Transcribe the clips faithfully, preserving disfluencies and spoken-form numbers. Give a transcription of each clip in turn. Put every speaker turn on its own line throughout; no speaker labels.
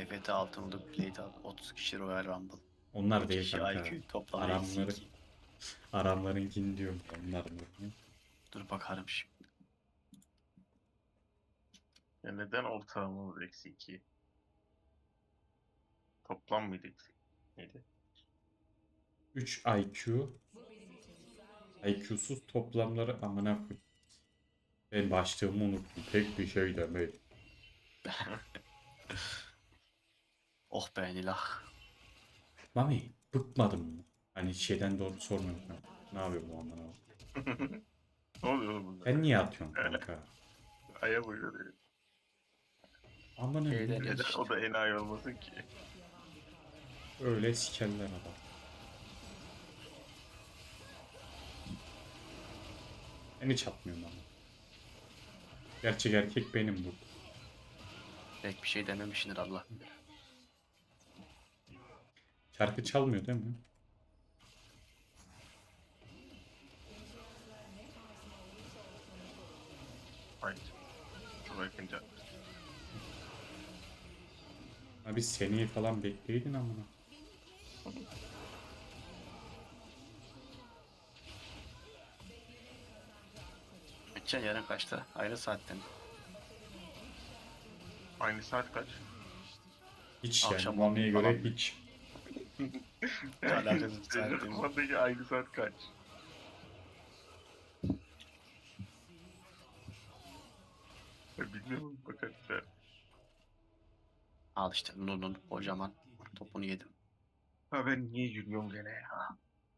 T F T altınlık plate al. otuz kişi Royal Rumble.
Onlar
İki
değil
kişi
kanka.
I Q toplam eksi
Aramları,
iki.
aramlarınkini diyorum. Onlar mı?
Dur bakarım şimdi.
Ya neden ortalamamız eksi iki? Toplam mıydı eksi? Neydi?
üç I Q. I Q'suz toplamları amına koyayım. Ben başlığımı unuttum. Pek bir şey demedim.
Oh be Nilah.
Mami bıkmadın mı? Hani şeyden doğru sormuyorum ben. Ne yapıyor bu amına koyayım?
Ne oluyor oğlum bunda?
Sen niye atıyorsun kanka?
Aya vuruyor.
Amına
Şeyden
koyayım.
Neden o da enayi olmasın ki?
Öyle sikerler adam. Ben hiç atmıyorum ama. Gerçek erkek benim bu.
Pek bir şey dememişsindir Allah.
Şarkı çalmıyor değil mi?
Hayır. Çok yakınca.
Ha biz seneyi falan bekleydin amına.
Geçen yarın kaçta? Aynı saatte mi?
Aynı saat kaç?
Hiç
Akşam
yani Mami'ye
on
göre
falan.
hiç.
Alakasız
Senin
saat değil mi?
kafandaki aynı saat kaç? Ben bilmiyorum. Bakarız ya.
Al işte Nun'un kocaman topunu yedim.
Ha ben niye yürüyorum gene ya?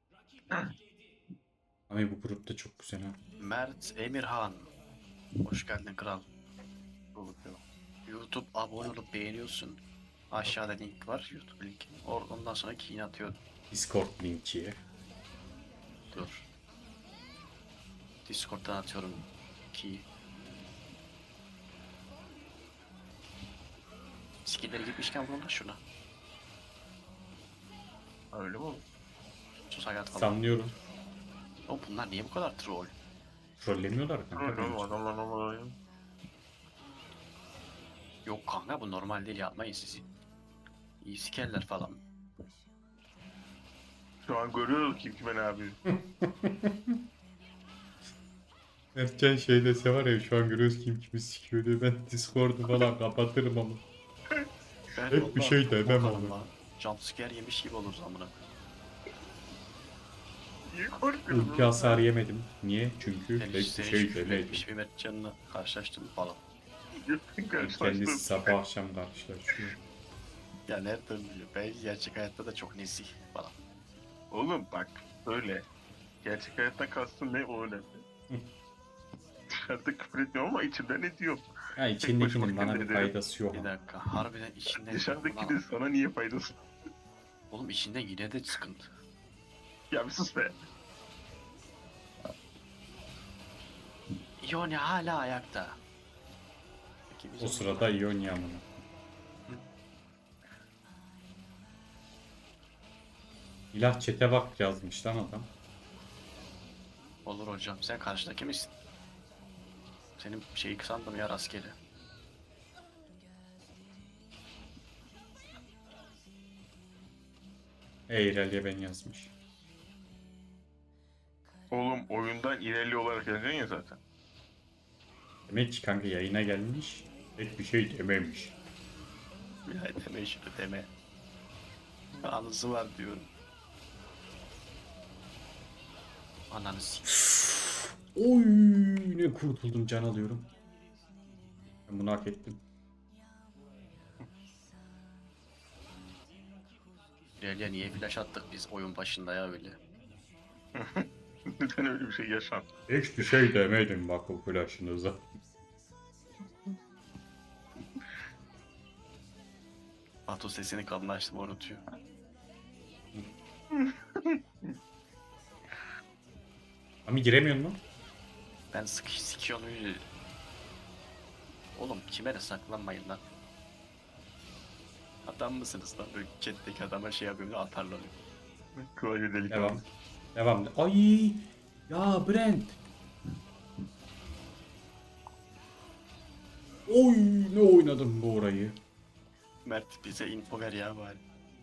Mami bu grupta çok güzel ha.
Mert Emirhan. Hoş geldin kral.
Olur ya.
YouTube abone olup beğeniyorsun. Aşağıda link var. YouTube linki. Or ondan sonra key'ini atıyorum.
Discord linki.
Dur. Discord'dan atıyorum key'i. Skill'leri gitmişken vurun da şuna.
Ha, öyle mi oldu?
Sus hayat falan.
Sanlıyorum.
Oğlum bunlar niye bu kadar troll?
Trollemiyorlar kanka
Öyle oğlum
bence.
adamlar normal oynuyor.
Yok kanka bu normal değil, yapmayın sizi. İyi sikerler falan.
Şu an görüyoruz kim kime ne yapıyor.
Erken şey dese var ya şu an görüyoruz kim kimi sikiyor diye ben Discord'u falan kapatırım ama.
Ben
Hep bir
vallahi
şey
çok
demem
korkarım
ama.
lan. Jumpscare yemiş gibi oluruz amına.
Niye korkuyorsun?
Ulti hasar yemedim. Niye? Çünkü
Senin,
pek bir
senin
şey
küfür
demedim.
etmiş bir Mertcan'la karşılaştım falan.
Gökten
Kendisi
karşılaştım.
sabah akşam karşılaşıyor.
Ya nereden biliyor? Belki gerçek hayatta da çok nezih falan.
Oğlum bak öyle. Gerçek hayattan kastın ne o önemli. Dışarıda küfür etmiyorum ama içimden ne diyorum.
Ya içindekinin
başıma
bana bir
kendi
faydası yok
Bir
ama.
dakika, harbiden içinden...
Dışarıdaki
Ulan,
de sana niye faydası?
oğlum içinden yine de sıkıntı.
Ya bir sus be.
Ione hala ayakta. Peki biz
O
onunla-
sırada Ionia amına. İlah çete bak yazmış lan adam.
Olur hocam, sen karşıdaki misin? Senin şeyi sandım ya, rastgele.
Eyrel'e ben yazmış.
Oğlum oyundan ilerli olarak yazacaksın ya zaten.
Demek ki kanka yayına gelmiş. Pek bir şey dememiş.
Ya deme şunu deme. Anısı var diyorum. Ananı s***.
Oy ne kurtuldum can alıyorum. Ben bunu hak ettim.
Ya niye flash attık biz oyun başında ya öyle.
Neden öyle bir şey yaşan?
Hiçbir şey demedim bak o flash'ınıza.
Batu sesini kalınlaştım, unutuyor.
Ama giremiyor mu?
Ben sıkış sikiyorum öyle. Oğlum kime de saklanmayın lan. Adam mısınız lan? Böyle chat'teki adama şey yapıyorum da atarlar.
Klavye delik.
Devam. Devam. Ay ya Brent. Oy ne oynadım bu orayı.
Mert bize info ver ya bari.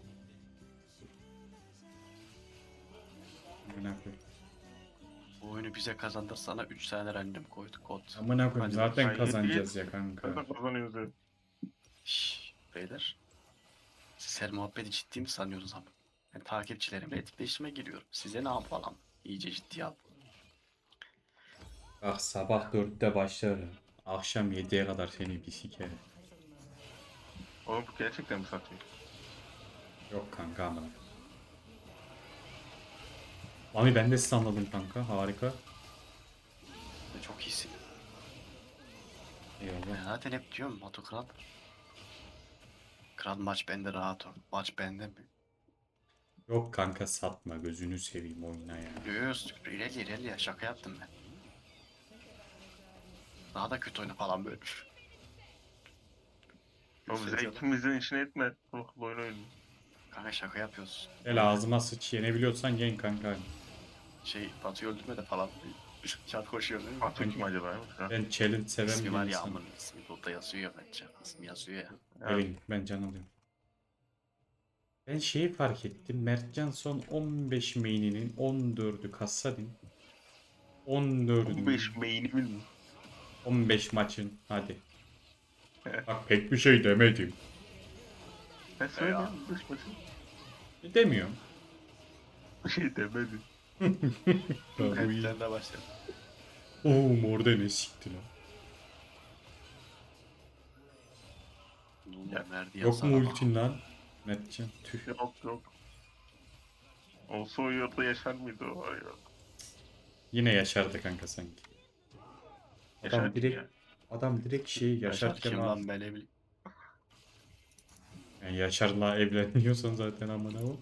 Amına koyayım.
Bu oyunu bize kazandırsana üç tane random koyduk kod.
Amına koyayım
Hadi
zaten
Hayır,
kazanacağız
değil.
ya kanka.
Sen de kazanıyoruz ya.
Şşş beyler. Siz her muhabbeti ciddi mi sanıyorsunuz ama? Ben takipçilerimle etkileşime giriyorum. Size ne yapalım? İyice ciddiye al.
Bak sabah dörtte başlarım. Akşam yediye kadar seni bir sikerim.
Oğlum bu gerçekten mi satıyor?
Yok kanka amına. Mami ben de sizi anladım kanka. Harika.
Ve çok iyisin. Ben
Eyvallah.
zaten hep diyorum Batu Kral. Kral maç bende rahat ol. Maç bende mi?
Yok kanka satma gözünü seveyim oyna ya.
Göğüs ileri ileri ya şaka yaptım ben. Daha da kötü oyna falan böyle.
Oğlum bize ikimizin içine etme. Ruhlu oyun oyunu.
Kanka şaka yapıyoruz.
Gel ağzıma sıç yenebiliyorsan yen kanka.
Şey Batu'yu öldürme de falan. Çat koşuyor değil mi?
Atı kim acaba? Ya?
Ben challenge seven
İsmi
bir
var ya
insanım.
amın ismi burada yazıyor ya bence. İsmi yazıyor ya.
Gelin ben can alıyorum. Ben şeyi fark ettim. Mertcan son on beş main'inin on dördü Kassadin. on dördü
on beş main'imin mi?
on beş maçın hadi. Bak pek bir şey demedim.
Ben
Ya.
söyleyeyim. Dış maçı.
Demiyorum.
Bir şey demedim.
Ya bu iyi.
Sen de başla.
Oo orada ne sikti lan.
Ya, verdi
Yok mu
yazsana
ultin lan? Mertcan tüh.
Yok yok. Olsa o yurtta yaşar mıydı o var ya?
Yine yaşardı kanka sanki. Adam
Yaşar
direkt
ya.
adam direkt şeyi
Yaşar
yaşarken
kim
al.
lan ben ne bileyim.
Yani Yaşar'la evleniyorsan zaten amına o.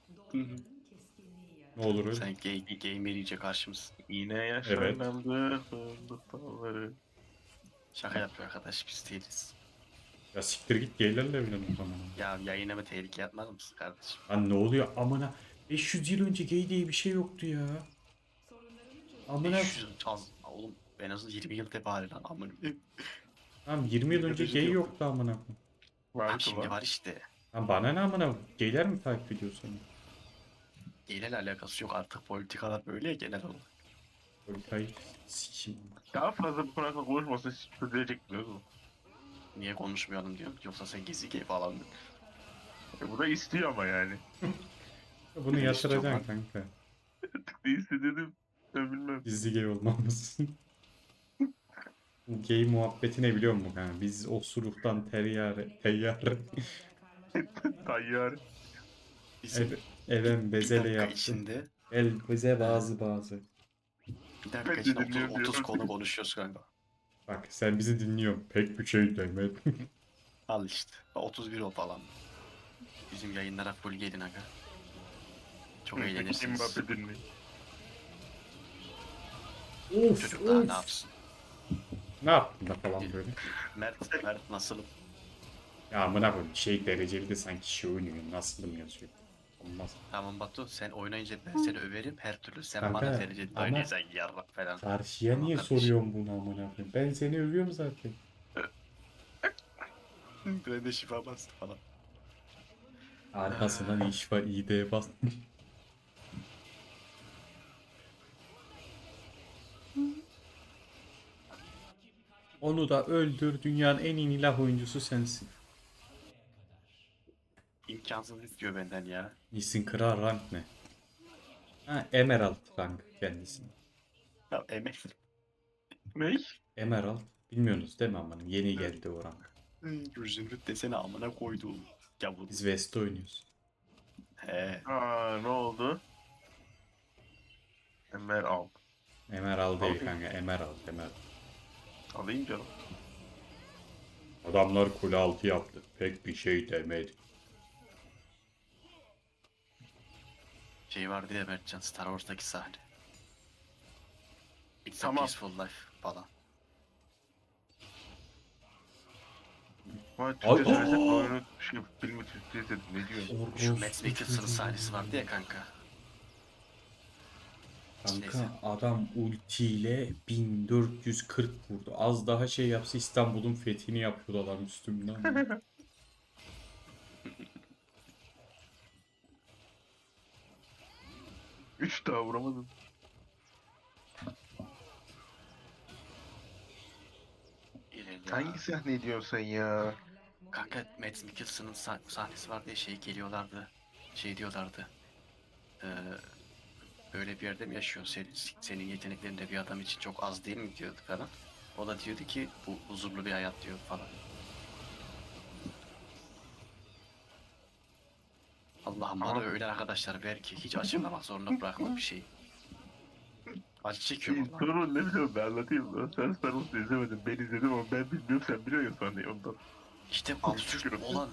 Ne olur öyle.
Sen gay, gamer iyice karşımız.
Yine yaşandı fındık dalları.
Şaka yapıyor arkadaş biz değiliz.
Ya siktir git geylerle evlen o zaman.
Ya yayına mı tehlike atmaz mısın kardeşim?
Lan ne oluyor amına? beş yüz yıl önce gay diye bir şey yoktu ya. Amına
beş yüz az oğlum en azından yirmi yıl tebari lan amına.
tamam yirmi yıl önce
beş yüz
gay
yok.
yoktu amına.
Lan
Vardı
şimdi
lan.
var işte.
Lan bana ne amına? Gayler mi takip ediyor seni?
Genel alakası yok artık politikalar böyle ya genel olarak.
Politikayı sikeyim.
Daha fazla bu konu hakkında konuşmasa hiç çözülecek biliyoruz mu?
Niye konuşmayalım diyorum. Yoksa sen gizli gay falan mı?
E, bu da istiyor ama yani.
Bunu yatıracaksın kanka.
Ne istediğini ben bilmem.
Gizli gay olmamız. Bu gay muhabbeti ne biliyor musun kanka? Biz osuruktan teryare, teyyare,
Tayyar.
Bizim
ev, even
bir
bezele
dakika
yaptı.
içinde
El bize bazı bazı.
bir dakika
Ben de
içinde
dinliyorum
otuz, otuz
diyorum.
konu konuşuyoruz kanka.
Bak sen bizi dinliyorsun. Pek bir şey demedim.
Al işte. otuz bir o falan. Bizim yayınlara full gelin aga. Çok eğlenirsiniz.
Mbappe dinliyor.
Of
Çocuk daha ne
of.
yapsın?
Ne yaptın da falan böyle.
Mert, Mert nasılım?
Ya amına koyayım şey dereceli de sanki şey oynuyor. Nasılım yazıyor. Olmaz.
Tamam Batu sen oynayınca ben seni överim her türlü sen
Kanka,
bana dereceli
ama-
oynayacaksan yarrak falan.
Karşıya
Tamam
niye
kardeşim.
soruyorsun bunu amına koyayım? Ben seni övüyorum zaten.
Ben de şifa bastı falan.
Arkasından iş var iyi de bas. Onu da öldür. Dünyanın en iyi ilah oyuncusu sensin.
İmkansız istiyor benden ya.
Nisin kral rank ne? Ha Emerald rank kendisi.
Ya emek.
Ne?
Emerald. Bilmiyorsunuz değil mi amanın? Yeni geldi o rank.
Zümrüt desene amına koyduğum. Yavrum.
Biz West'te oynuyoruz.
He.
Aa ne oldu? Ömer al.
Emerald değil
Alayım.
kanka. Emerald. Emerald.
Alayım canım.
Adamlar kule altı yaptı. Pek bir şey demedi.
Şey vardı ya Mertcan Star Wars'taki sahne. It's a
Tamam.
peaceful life falan.
Vay
Ay-
Türkçe söylesek
Aa!
oyunu şey filmi Türkçe izledim ne diyorsun?
Şu Matt Mikkelsen'ın sahnesi vardı ya kanka.
Kanka adam ultiyle bin dört yüz kırk vurdu. Az daha şey yapsa İstanbul'un fethini yapıyordu adam üstümden.
Üç daha vuramadım.
İleri ya.
Hangi sahne diyorsun sen ya?
Kanka Mads Mikkelsen'ın sah- sahnesi vardı ya, şey geliyorlardı. Şey diyorlardı. Ee, böyle bir yerde mi yaşıyorsun? Senin, senin yeteneklerin de bir adam için çok az değil mi diyordu falan. O da diyordu ki bu huzurlu bir hayat diyor falan. Allah'ım bana
Abi.
öyle arkadaşlar ver ki hiç açıklamak zorunda bırakma bir şey. Acı çekiyorum lan.
Sorun ne biliyorum ben anlatayım mı? Sen Star Wars'u izlemedin. Ben izledim ama ben bilmiyorum, sen biliyorsun ya sahneyi ondan.
İşte absürt olan.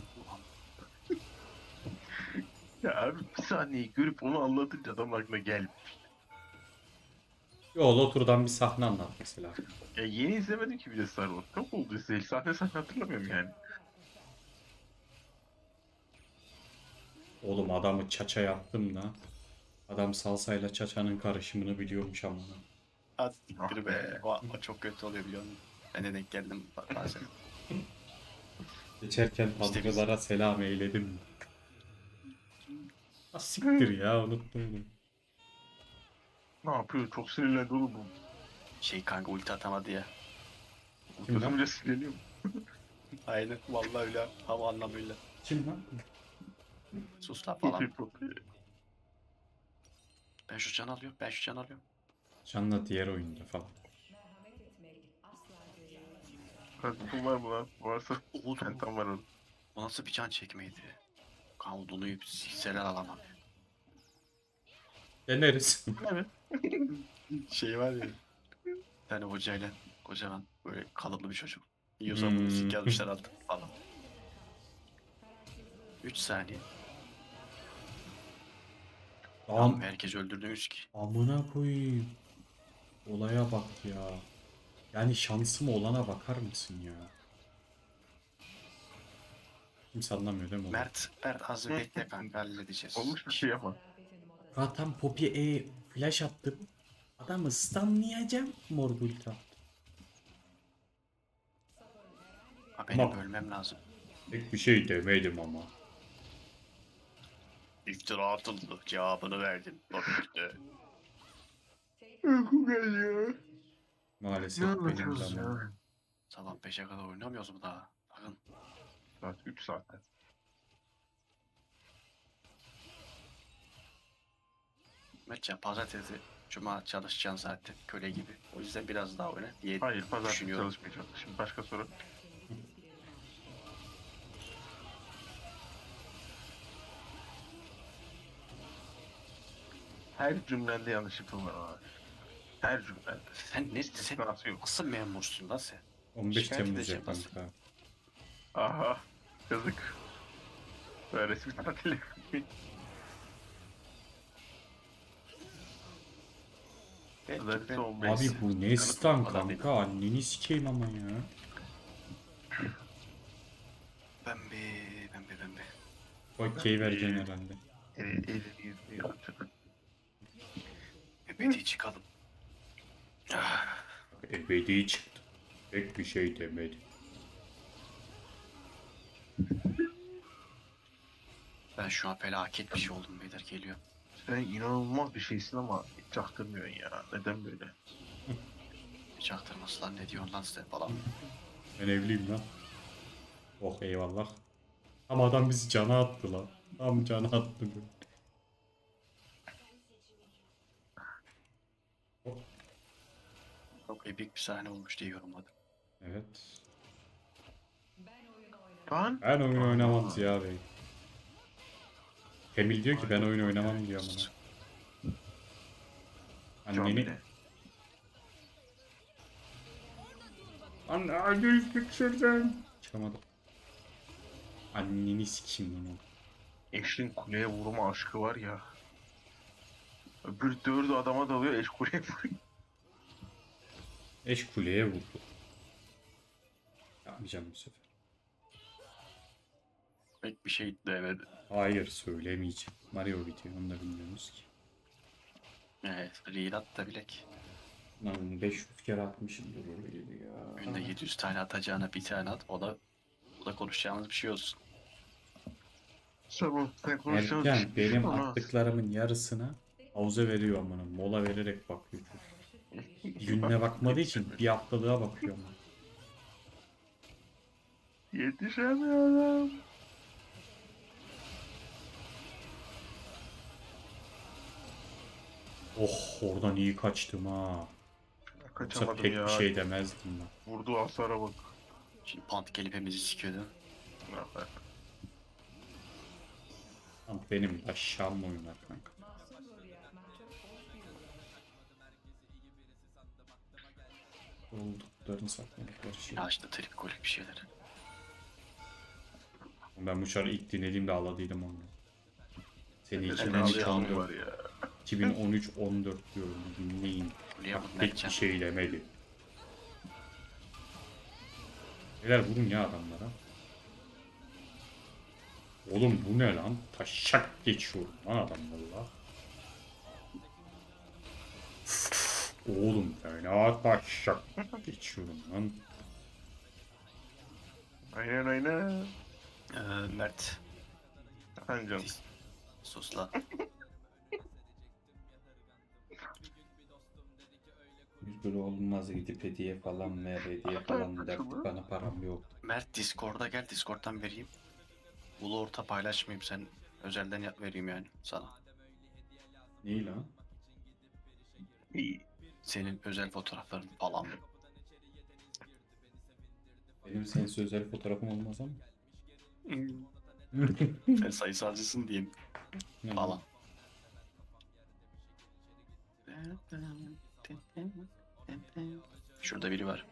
Ya abi bir sahneyi görüp onu anlatınca adam aklına gel.
Yol oturdan bir sahne anlat mesela.
Ya yeni izlemedim ki bir de Star Wars. Çok oldu izleyeli. Sahne sahne hatırlamıyorum yani.
Oğlum adamı çaça yaptım da. Adam salsayla çaçanın karışımını biliyormuş ama.
Az
Ah
siktir be. O, o çok kötü oluyor biliyor musun? Ben de denk geldim ba- bazen.
Geçerken
İşte biz-
tanrılara selam eyledim. Ha siktir ya unuttum bunu.
Ne yapıyor? Çok sinirlendi oğlum bu.
Şey kanka ulti atamadı ya.
Kim lan?
Kızımca sinirleniyor.
Aynen vallahi öyle tam anlamıyla.
Kim lan?
Sus lan falan.
Popey popey.
Ben şu can alıyorum. Ben şu can alıyorum.
Can'la diğer oyunda falan.
Kartopun var mı lan? Varsa
Oğlum
pentam var orada.
o nasıl bir can çekmeydi? Kavdunuyu sikseler alamam.
Deneriz.
Evet.
Şey var ya. Bir tane hocayla kocaman böyle kalıplı bir çocuk. Yiyorsan
Hmm.
bunu sik yazmışlar altı falan. üç saniye.
Am
Tamam herkes öldürdünüz ki.
amına koyayım. Olaya bak ya. Yani şansım olana bakar mısın ya? Kimse anlamıyor değil mi onu?
Mert, Mert az bir bekle kanka halledeceğiz.
Olmuş bir şey ama.
Zaten Poppy'e e flash attım. Adamı stunlayacağım. Mor ulti attı.
Ha, benim
Tamam.
ölmem lazım.
Pek bir şey demedim ama.
İftira atıldı. Cevabını verdim. Tabii
Uykum geliyor.
Maalesef
Ne
benim
anlatıyoruz
zamanım.
ya?
Sabah beşe kadar oynamıyoruz mu daha? Bakın.
Saat üç saatte.
Mertcan pazartesi, cuma çalışacaksın zaten köle gibi. O yüzden biraz daha oyna diye
Hayır pazartesi
düşünüyorum.
çalışmayacağım. Şimdi başka soru. Her cümlende yanlışlıkla var abi. Her cümlende.
Sen ne sen
İstisnası yok.
nasıl memursun lan sen?
on beş
Şikayet
Temmuz
edeceğim
ya
nasıl?
kanka.
Aha. Yazık. Böyle resmi tatil.
Belki
Pazartesi
ben
on beş.
Abi bu ne
Kanıt
stun
bulmadan
kanka? Anneni sikeyim ama ya.
pembe pembe pembe.
Okey vereceksin herhalde.
Eli, eli yüzünü yapacak.
Ebedi çıkalım. Ah,
Ebedi çıktı. Pek bir şey demedim.
ben şu an felaket bir şey oldum beyler geliyor.
Sen inanılmaz bir şeysin ama hiç çaktırmıyorsun ya. Neden böyle?
Çaktırması lan ne diyorsun lan sen falan.
Ben evliyim lan. Oh eyvallah. Ama adam bizi cana attı lan. Tam cana attı. Oh,
Çok epik bir sahne olmuş diye yorumladım.
evet.
Lan.
Ben oyun oynamam Ziya Bey. Emil diyor ki ben oyun oynamam diyor amına. Anneni...
Camide.
Anne hadi çık şuradan. Çıkamadım. Anneni sikeyim onu.
Eşin kuleye vurma aşkı var ya. Öbür dördü adama dalıyor, eş kuleye vuruyor.
Eş kuleye vurdu. Yapmayacağım bu sefer.
Pek bir şey demedi.
Hayır söylemeyeceğim. Mario video onu da bilmiyoruz ki.
Evet, reel at da bilek.
Lan beş yüz kere atmışımdır orayı ya.
Günde yedi yüz tane atacağına bir tane at. O da o da konuşacağımız bir şey olsun.
Tamam, sen konuşacağız.
Erken benim
Ama
attıklarımın yarısına Havuza veriyor amına. Mola vererek bakıyor çocuk. Gününe bakmadığı için bir haftalığa bakıyor ama.
Yetişemiyorum.
Oh oradan iyi kaçtım ha. Yoksa
Kaçamadım
pek
ya.
bir şey demezdim ben.
Vurduğu hasara bak.
Şimdi pant gelip hepimizi sikiyordu.
Ah, bak.
Ama benim aşağım oynar kanka. Olduklarını sakladıkları şey.
Ya işte trip kolik bir şeyler.
Ben bu şarkıyı ilk dinlediğimde ağladıydım onu. Seni
Ben
iki bin on üç
ağlayan var
on dört
ya.
iki bin on üç on dört diyorum dinleyin.
Buraya
Bak
bak
pek bir
Mertcan.
şey demedi. Neler vurun ya adamlara. Oğlum bu ne lan? Taşak geçiyorum lan adamlarla. Oğlum fena taşak geçiyorum lan.
Aynen aynen.
Ee, Mert.
Ancam.
Sus lan.
Biz böyle olmaz gidip hediye falan ver hediye falan derdik bana param yok.
Mert Discord'a gel, Discord'dan vereyim. Ulu orta paylaşmayayım, sen özelden yap vereyim yani sana.
Neyi lan?
İyi.
Senin özel fotoğrafların falan.
Benim sensiz özel fotoğrafım olmaz ama.
Sen sayısalcısın diyeyim falan. Şurada biri var.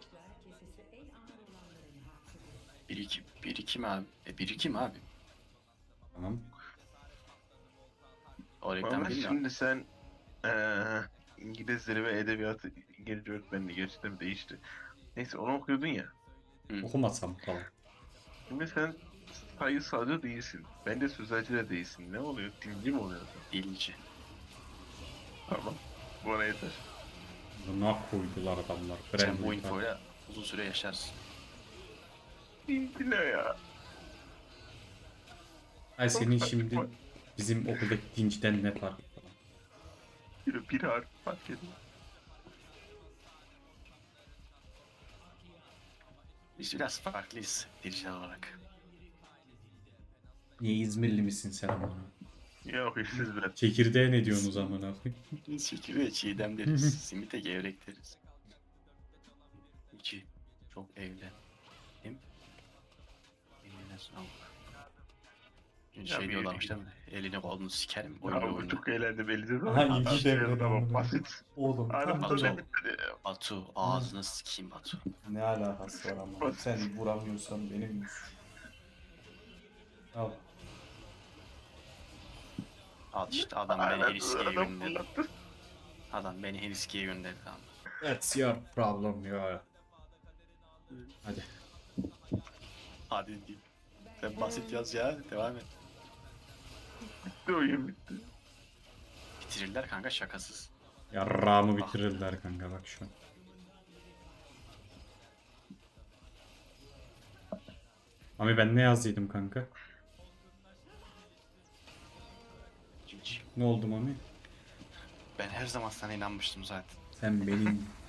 Biri kim? Biri kim abi? E biri kim abi?
Tamam.
O reklam
Ama
değil mi?
şimdi sen eee İngilizleri ve edebiyatı İngilizce öğretmenliği gerçekten değişti. Neyse onu okuyordun ya.
Okumasam falan.
Şimdi sen sayısalcı değilsin. Ben de sözelci de değilsin. Ne oluyor? Dinci mi oluyorsun?
Dilci.
Tamam. Bana yeter.
Buna koydular adamlar.
Sen bu
Brand
infoyla uzun süre yaşarsın.
Dinci ne ya?
Ay senin şimdi bizim okuldaki dinciden ne farkı falan.
Bir, bir harf fark ediyor.
Biz biraz farklıyız dilciler olarak.
Niye İzmirli misin sen ama?
Ya hırsız ben.
Çekirdeğe ne diyorsunuz amına?
Biz şekil ve çiğdem deriz. Simite gevrek deriz. İki. Çok evlendim. Eline sağlık.
Ya
Şey
bir-
diyorlarmış değil mi? Elini kolunu sikerim.
Ya
Oyunu
bu
oyunu.
çok eğlendim elinde de.
Aha,
Adam
ilgi
şey
devrede
adama
amına.
basit.
Oğlum
Aramda
Batu.
ne bitmedi ya?
Batu ağzını sikeyim Batu.
ne alakası var ama? Sen vuramıyorsan benim Al.
Al işte adam beni
Aynen,
Heliski'ye
adam
gönderdi.
fırlattı.
Adam beni Heliski'ye gönderdi tamam.
That's your problem ya. Hadi.
Hadi diyeyim. Sen basit yaz ya. Devam et.
Bitti oyun bitti.
Bitirirler kanka şakasız.
Yarrağımı bitirirler kanka bak şu an. Ami ben ne yazdıydım kanka?
Cici.
Ne oldu Mami?
Ben her zaman sana inanmıştım zaten.
Sen benim